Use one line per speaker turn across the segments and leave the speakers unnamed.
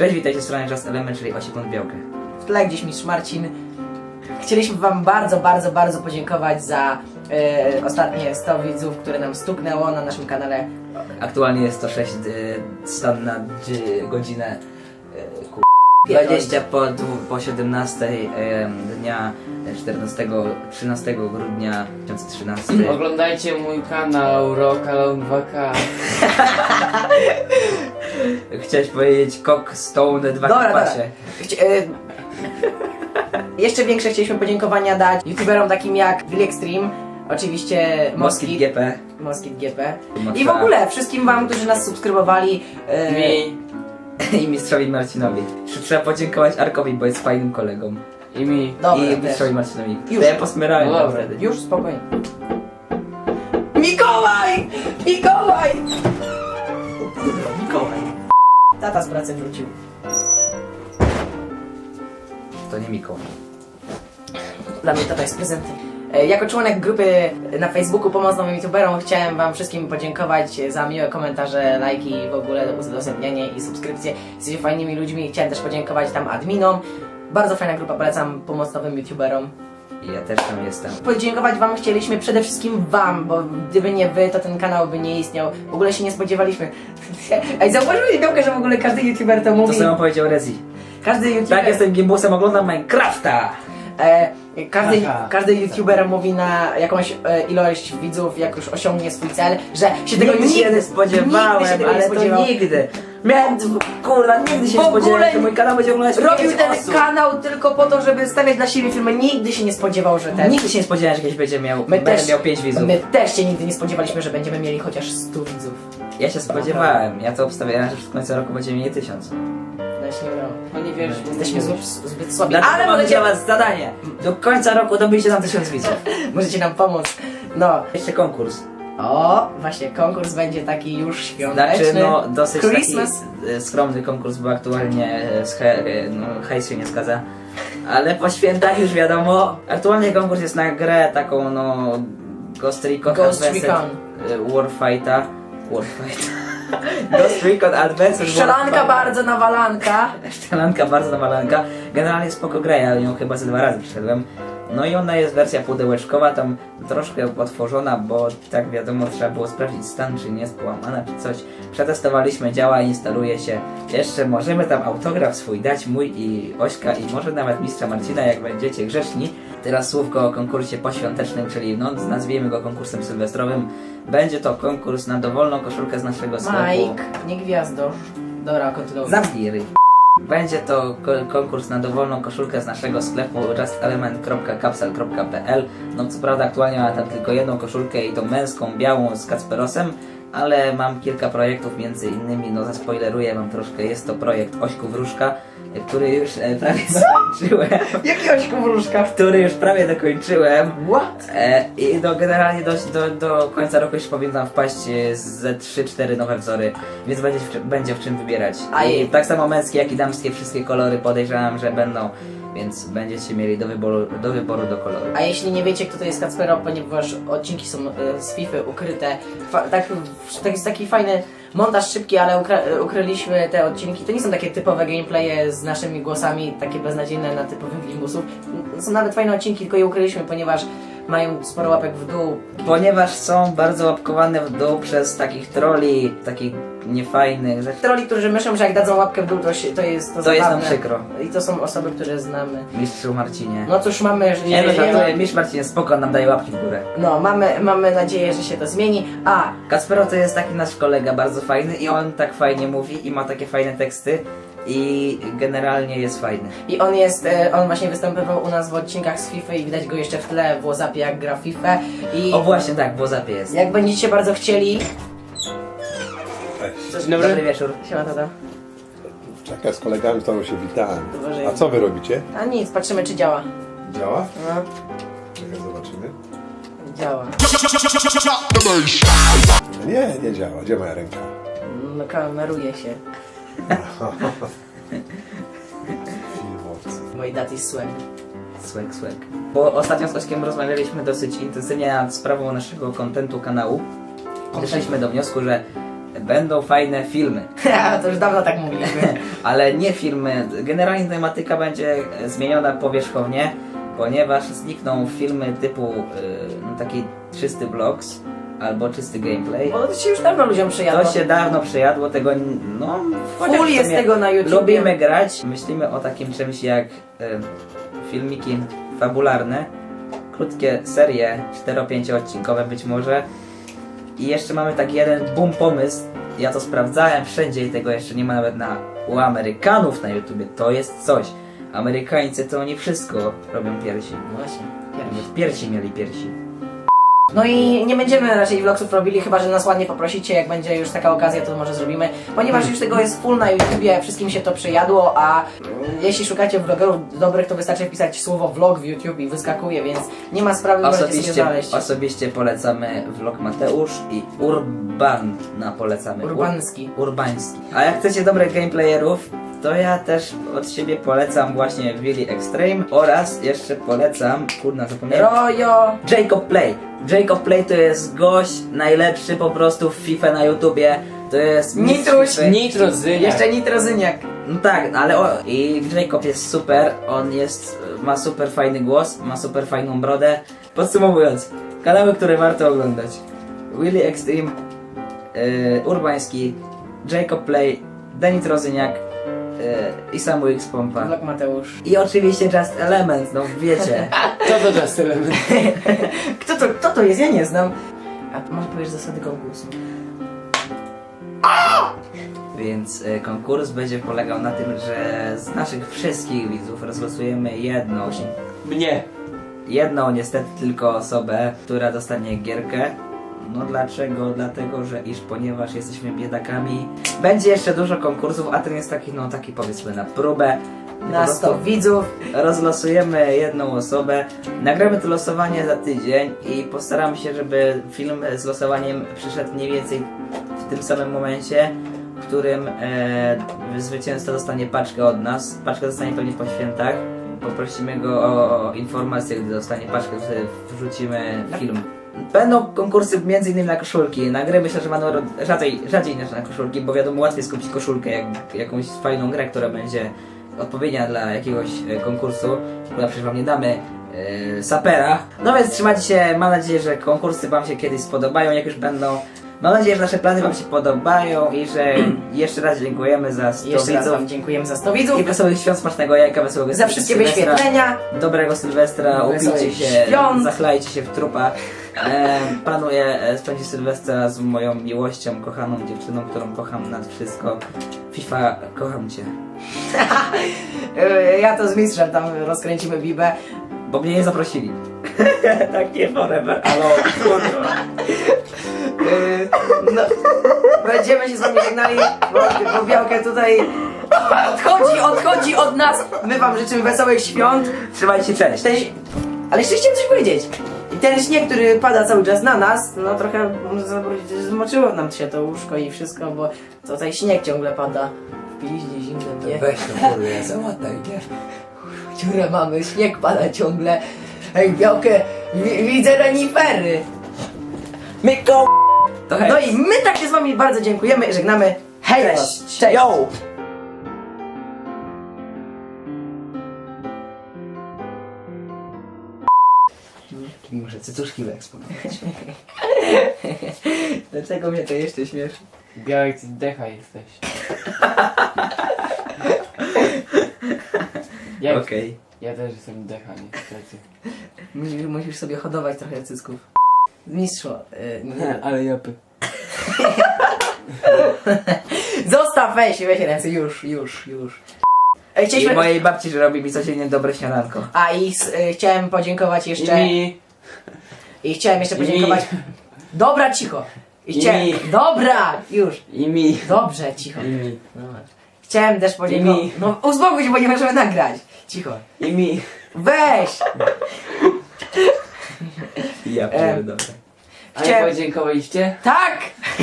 Cześć, witajcie, strona Just Element, czyli 8 sekund białkę.
W tle gdzieś mistrz Marcin. Chcieliśmy wam bardzo podziękować za ostatnie 100 widzów, które nam stuknęło na naszym kanale.
Aktualnie jest to 6 stan na godzinę 20 po 17 dnia 13 grudnia 2013.
Oglądajcie mój kanał Rockalone 2K.
Chciałeś powiedzieć Cock Stone 2
Dobra.
pasie.
Jeszcze większe chcieliśmy podziękowania dać youtuberom takim jak Will Extreme, oczywiście
Moskit GP.
Moskit GP i w ogóle wszystkim wam, którzy nas subskrybowali.
Mi.
I mistrzowi Marcinowi. Trzeba podziękować Arkowi, bo jest fajnym kolegą.
I mi.
Dobra,
I
też.
mistrzowi Marcinowi.
Już.
To ja posmyrałem
No dobra.
wtedy.
Już spokojnie. Mikołaj! Mikołaj! Mikołaj. Tata z pracy wrócił.
To nie Mikołaj.
Dla mnie tata jest prezentem. Jako członek grupy na Facebooku Pomoc Nowym YouTuberom chciałem wam wszystkim podziękować za miłe komentarze, lajki, w ogóle udostępnianie i subskrypcje. Jesteście fajnymi ludźmi. Chciałem też podziękować tam adminom. Bardzo fajna grupa, polecam Pomoc Nowym YouTuberom.
I ja też tam jestem.
Podziękować wam chcieliśmy przede wszystkim wam, bo gdyby nie wy, to ten kanał by nie istniał. W ogóle się nie spodziewaliśmy. Ej, zauważyłeś, Białkę, że w ogóle każdy YouTuber to mówi.
To samo powiedział Rezi.
Każdy YouTuber...
Tak, jestem gimbusem, oglądam Minecrafta!
Każdy YouTuber mówi na jakąś ilość widzów, jak już osiągnie swój cel, że się tego
Nigdy się nie spodziewałem,
nigdy się tego nie
ale
spodziewał.
to nigdy. Miałem, kurwa, nigdy się
W
nie
ogóle
spodziewałem, że mój kanał będzie oglądać
Robił
5
ten
osób.
kanał tylko po to, żeby stawiać dla siebie filmy. Nigdy się nie spodziewał, że ten...
Nigdy się nie spodziewałem, że kiedyś będzie miał, miał 5 widzów.
My też się nigdy nie spodziewaliśmy, że będziemy mieli chociaż 100 widzów.
Ja się spodziewałem, ja to obstawiałem, że w końcu roku będziemy mieli 1000.
No ja się nie udało.
No nie wiesz,
Jesteśmy zbyt słabi.
Dlatego
Ale
mamy
możecie,
dla was zadanie. Do końca roku dobyjcie nam 1000 widzów.
możecie nam pomóc. No.
Jeszcze konkurs.
O, właśnie konkurs będzie taki już świąteczny.
Znaczy, no, dosyć
Christmas.
taki skromny konkurs, bo aktualnie hejs się nie zgadza. Ale po świętach już wiadomo. Aktualnie konkurs jest na grę taką, no, Ghost Recon
Ghost
Advanced
Recon.
Warfighta. Ghost Recon Advanced
Strzelanka
Warfighta.
bardzo nawalanka.
Strzelanka bardzo nawalanka. Generalnie spoko gra, ja ją chyba ze 2 razy przeszedłem. No i ona jest wersja pudełeczkowa, tam troszkę otworzona, bo tak wiadomo trzeba było sprawdzić stan, czy nie jest połamana, czy coś. Przetestowaliśmy, działa, instaluje się. Jeszcze możemy tam autograf swój dać, mój i Ośka, i może nawet mistrza Marcina, jak będziecie grzeczni. Teraz słówko o konkursie poświątecznym, czyli no, nazwijmy go konkursem sylwestrowym. Będzie to konkurs na dowolną koszulkę z naszego sklepu.
Mike, nie gwiazdo. Dobra, kontynuuj.
Zamknij ryj. Będzie to konkurs na dowolną koszulkę z naszego sklepu justelement.capsel.pl. No co prawda aktualnie mam tam tylko jedną koszulkę i tą męską, białą z Kacperosem, ale mam kilka projektów, między innymi, no zaspoileruję wam troszkę, jest to projekt Ośku Wróżka, który już prawie dokończyłem.
Jakiegoś wróżka.
Który już prawie dokończyłem.
What?
I no, generalnie do końca roku już powinien wpaść ze 3-4 nowe wzory, więc będzie w czym wybierać. I tak samo męskie, jak i damskie, wszystkie kolory podejrzewam, że będą, więc będziecie mieli do wyboru do koloru.
A jeśli nie wiecie, kto to jest Kacpero, ponieważ odcinki są z FIFA ukryte, jest taki fajny montaż szybki, ale ukryliśmy te odcinki. To nie są takie typowe gameplaye z naszymi głosami, takie beznadziejne na typowych gimbusów. Są nawet fajne odcinki, tylko je ukryliśmy, ponieważ mają sporo łapek w dół.
Ponieważ są bardzo łapkowane w dół przez takich trolli, takich niefajnych, że
Troli, którzy myślą, że jak dadzą łapkę w dół, to jest
to
zabawne.
jest nam przykro.
I to są osoby, które znamy.
Mistrzu Marcinie.
No cóż, mamy, jeżeli
Nie no, żartuję, mistrz Marcinie, spoko, nam daje łapki w górę.
No, mamy nadzieję, że się to zmieni. A,
Kacpero to jest taki nasz kolega, bardzo fajny i on tak fajnie mówi i ma takie fajne teksty i generalnie jest fajny.
i on właśnie występował u nas w odcinkach z FIFA i widać go jeszcze w tle w WhatsAppie, jak gra w FIFA. I
O właśnie tak, w WhatsAppie jest.
jak będziecie bardzo chcieli...
Dzień dobry.
Dobry wieczór.
Siema, tata.
Czekaj, z kolegami z tobą się witałem.
Uważaj.
A co wy robicie?
A nic, patrzymy, czy działa.
Działa?
No,
Czekaj, zobaczymy.
działa.
No nie działa. Gdzie moja ręka?
No, kameruje się.
Filmowcy.
Moi daty swag.
Swag. Bo ostatnio z Ośkiem rozmawialiśmy dosyć intensywnie nad sprawą naszego kontentu kanału. Doszliśmy do wniosku, że będą fajne filmy.
To już dawno tak mówiliśmy.
Ale nie filmy. Generalnie tematyka będzie zmieniona powierzchownie, ponieważ znikną filmy typu taki czysty vlogs albo czysty gameplay.
Bo to się już dawno ludziom przyjadło.
To się dawno przejadło, tego no... chociaż
Full
w
jest
sumie
tego na YouTube.
Lubimy grać. Myślimy o takim czymś jak filmiki fabularne, krótkie serie, 4-5 odcinkowe być może. I jeszcze mamy taki jeden boom pomysł. Ja to sprawdzałem wszędzie i tego jeszcze nie ma nawet u Amerykanów na YouTubie. To jest coś. Amerykańcy to oni wszystko robią piersi.
No właśnie, pierwszy.
Piersi mieli piersi.
No i nie będziemy raczej vlogsów robili, chyba że nas ładnie poprosicie, jak będzie już taka okazja, to może zrobimy. Ponieważ już tego jest full na YouTubie, wszystkim się to przejadło, a jeśli szukacie vlogerów dobrych, to wystarczy wpisać słowo vlog w YouTube i wyskakuje, więc nie ma sprawy, możecie sobie znaleźć.
Osobiście polecamy vlog Mateusz i Urbana polecamy.
Urbanski.
Urbański. A jak chcecie dobrych gameplayerów, to ja też od siebie polecam właśnie Willy Extreme oraz jeszcze polecam, kurna zapomniałem,
Rojo!
Jacob Play. Jacob Play to jest gość najlepszy po prostu w FIFA na YouTubie. To jest
Nitruś.
Nitrozyniak.
Jeszcze Nitrozyniak.
No tak, ale i Jacob jest super, on ma super fajny głos, ma super fajną brodę. Podsumowując, kanały, które warto oglądać. Willy Extreme, Urbański, Jacob Play, Denit Rozyniak i Samu X Pompa.
Vlog Mateusz.
I oczywiście Just Element, no wiecie.
Co to Just Element?
Kto to jest? Ja nie znam. A może powiesz zasady konkursu?
Więc konkurs będzie polegał na tym, że z naszych wszystkich widzów rozlosujemy jedną niestety tylko osobę, która dostanie gierkę. No dlaczego? Dlatego, że ponieważ jesteśmy biedakami, będzie jeszcze dużo konkursów, a ten jest taki powiedzmy na próbę.
Na 100 widzów.
Rozlosujemy jedną osobę, nagramy to losowanie za tydzień i postaramy się, żeby film z losowaniem przyszedł mniej więcej w tym samym momencie, w którym zwycięzca dostanie paczkę od nas. Paczkę dostanie pewnie po świętach. Poprosimy go o informację, gdy dostanie paczkę, wtedy wrzucimy film. Będą konkursy m.in. na koszulki. Na gry myślę, że będą rzadziej niż na koszulki, bo wiadomo, łatwiej skupić koszulkę, jak jakąś fajną grę, która będzie odpowiednia dla jakiegoś konkursu, która przecież wam nie damy sapera. No więc trzymajcie się, mam nadzieję, że konkursy wam się kiedyś spodobają, jak już będą. Mam nadzieję, że nasze plany wam się podobają i że jeszcze raz dziękujemy za 100
Jeszcze raz
widzów.
wam dziękujemy za 100 widzów.
I wesołych świąt, smacznego jajka, wesołego
Za wszystkie
Sylwestra.
wyświetlenia.
Dobrego Sylwestra,
Wesołych
upijcie się,
świąt.
zachlajcie się w trupa. Planuję spędzić Sylwestra z moją miłością, kochaną dziewczyną, którą kocham nad wszystko. FIFA, kocham cię.
Ja to z mistrzem tam rozkręcimy bibę.
Bo mnie nie zaprosili. Tak nie forever, ale kurwa.
No, będziemy się z wami żegnali, bo Białkę tutaj odchodzi od nas. My wam życzymy wesołych świąt.
Trzymajcie, cześć.
Ale jeszcze chciałem coś powiedzieć. I ten śnieg, który pada cały czas na nas, no trochę zmoczyło nam się to łóżko i wszystko, bo tutaj śnieg ciągle pada. W piździe zimnym, nie?
Weź to kurwa, załataj, nie?
Dziurę mamy, śnieg pada ciągle. Ej, Białkę, widzę renifery.
Myko! To hej.
No i my tak się z wami bardzo dziękujemy, żegnamy. Hej!
Cześć.
Cześć!
Yo! Muszę cycuszki wyeksponować.
Dlaczego mnie to jeszcze śmieszy?
Białek, ty decha jesteś.
Okej.
Ja też jestem decha, niestety.
Musisz sobie hodować trochę cycków. Mistrzu, nie.
Ale japy.
Zostaw, weź ręce, już. Ej,
I
chcieliśmy...
mojej babci, że robi mi codziennie dobre śniadanko.
A i chciałem podziękować jeszcze... I chciałem jeszcze podziękować... Dobra, cicho!
mi.
Dobra, już!
I mi.
Dobrze, cicho.
I mi.
Dobra. Chciałem też podziękować...
mi.
No uspokój się, bo nie możemy nagrać. Cicho.
I mi.
Weź!
Ja pierdolę.
A nie
Chciałem-
podziękowaliście?
Tak!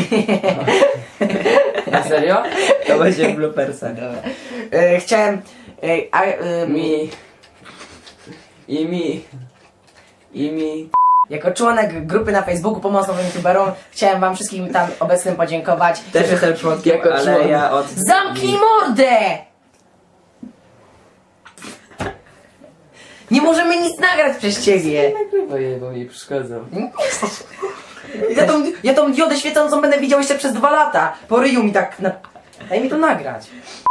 Na serio?
To będzie w bloopersach.
Chciałem...
Mi. I mi. I mi.
Jako członek grupy na Facebooku Pomoc Nowym YouTuberom chciałem wam wszystkim tam obecnym podziękować.
Też jestem członkiem,
Jako
ale
członek.
ja od...
Zamknij mordę! Nie możemy nic nagrać przez ciebie.
Nagrywaj je, bo mi przeszkadzał.
Ja tą diodę świecącą będę widział jeszcze przez 2 lata. Po ryju mi tak... Daj mi to nagrać.